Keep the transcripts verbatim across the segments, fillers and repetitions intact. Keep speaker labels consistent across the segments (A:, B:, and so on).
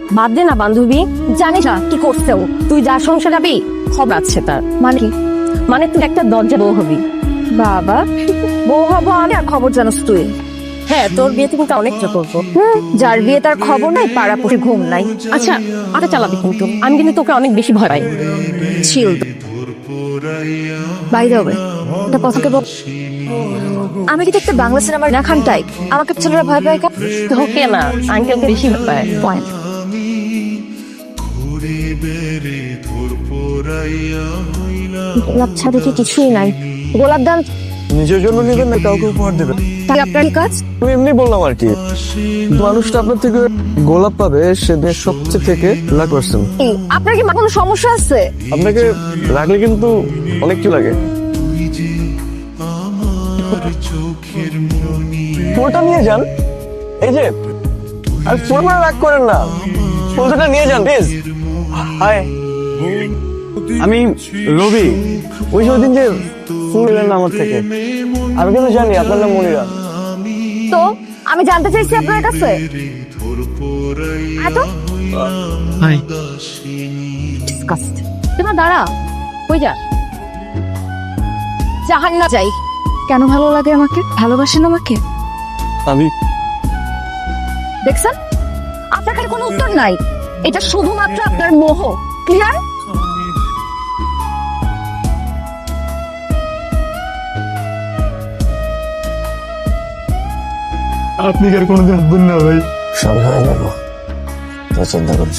A: বাদ দে না বান্ধবী, জানিস না কি করছে ও? তুই যার সংসার যাবি খবর আছে তার। মানে কি? মানে তুই একটা দরজা বউ হবি। বাবা, বউ হবো আমি আর খবর জানোস তুই? হ্যাঁ, তোর বিয়েতে কিন্তু অনেক চা করবো। হুম, যার বিয়ে তার খবর নাই, পাড়া পুষে ঘুম নাই। আচ্ছা, আটা চালাবি কিন্তু। আমি কিন্তু তোকে অনেক বেশি ভয় পাই। ছিল বাইরে হবে এটা কথাকে বল। আমি কি দেখতে বাংলা সিনেমার না খান টাইপ? আমাকে ছেলেরা ভয় পায় কেন? তোকে না, আঙ্কেলকে বেশি ভয় পায়। পয়েন্ট। গোলাপ ছাড়া কি কিছুই নাই। গোলাপ দাম
B: নিজের জন্য নেবেন না কাউকে উপহার দেবেন?
A: তাই আপনার কাজ?
B: আমি এমনি বললাম আর কি। মানুষটা আপনার থেকে গোলাপ পাবে সে দেশ সবচেয়ে থেকে লাখ পার্সেন্ট।
A: আপনার কি কোনো সমস্যা আছে?
B: আপনাকে রাখলে কিন্তু অনেক কি লাগে। ফুলটা নিয়ে যান, এই যে। আর ফুল মানে রাগ করেন না, ফুলটা নিয়ে যান প্লিজ। হাই, আমি রবি। ওই যে দিন যে ফুল এলেন না আমার থেকে, আমি কিন্তু জানি আপনার নাম মনিরা।
A: তো আমি জানতে চাইছি আপনার কাছে এত
B: হাই,
A: ডিসকাস্ট। তোমার দাঁড়া, কই যা? জাহান না যাই। কেন ভালো লাগে আমাকে? ভালোবাসেন আমাকে?
B: আমি
A: দেখছেন, আপনার কাছে কোনো উত্তর নাই। এটা শুধুমাত্র আপনার মোহ। ক্লিয়ার?
B: আপনি কি আর কোনোদিন আসবেন না ভাই? সব হয়ে যাবো, তো চিন্তা করছ।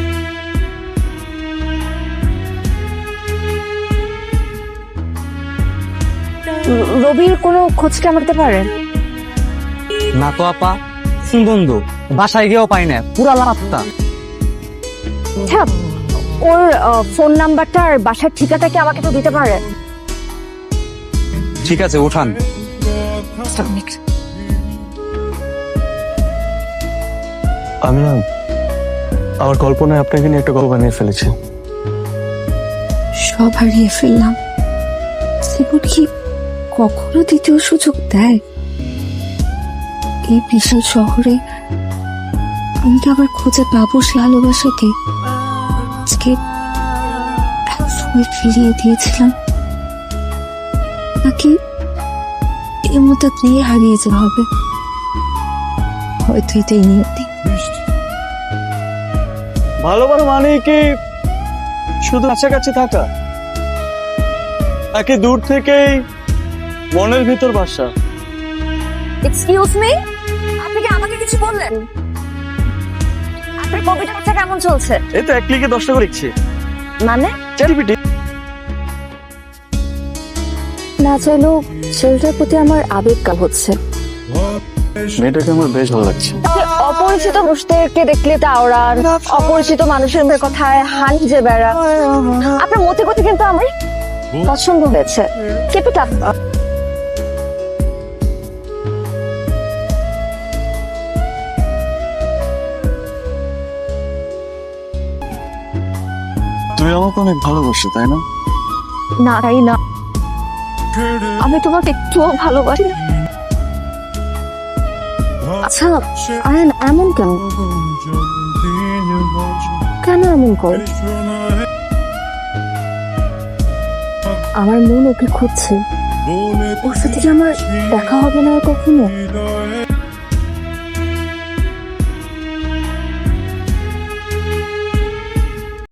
A: রবির কোনো খোঁজ কি আমাকে দিতে পারেন?
C: না তো আপা, বন্ধু বাসায় গিয়েও পাই না, পুরা লাপাত্তা।
A: আচ্ছা, ওর ফোন নাম্বারটা আর বাসার ঠিকাটা কি আমাকে তো দিতে পারেন?
C: ঠিক আছে, উঠান।
B: আমি না আমার কল্পনায় আপনাকে নিয়ে একটা গল্প বানিয়ে ফেলেছি।
D: সব হারিয়ে ফেললাম, জীবন কি কখনো দ্বিতীয় সুযোগ দেয়? এই বিশাল শহরে আমি কি আবার খুঁজে পাবো সে ভালোবাসাকে আজকে এক সময় ফিরিয়ে দিয়েছিলাম? নাকি এর মতো নিয়ে হারিয়ে যেতে হবে? হয়তো এটাই নিয়তি।
B: ভালোবাসা মানে কি শুধু কাছাকাছি থাকা, নাকি দূর থেকেই মনের ভিতর বাসা?
A: এক্সকিউজ মি, আপনি কি আমাকে কিছু বললেন? আপনার কবিতাটা কেমন চলছে?
B: এই তো এক ক্লিকে দশটা করে লিখছি।
A: মানে
B: চ্যাটজিপিটি।
A: না চাইলেও ছেলেটার প্রতি আমার আবেগ কাল হচ্ছে।
B: মেয়েটাকে আমার বেশ ভালো লাগছে।
A: অপরিচিত মানুষদেরকে দেখলে তাওরান, অপরিচিত মানুষের মুখে কথায় হান যে বেড়া। আপনার মতে গতি কিন্তু আমার পছন্দ হয়েছে। Keep it up.
B: তুমি আমাকে অনেক ভালোবাসো, তাই না?
A: না তাই না, আমি তোমাকে একটুও ভালোবাসি না। আচ্ছা আয়ন, এমন কেন? কেন এমন কর? আমার মন ওকে খুঁজছে। ওর সাথে কি আমার দেখা হবে না আর কখনো?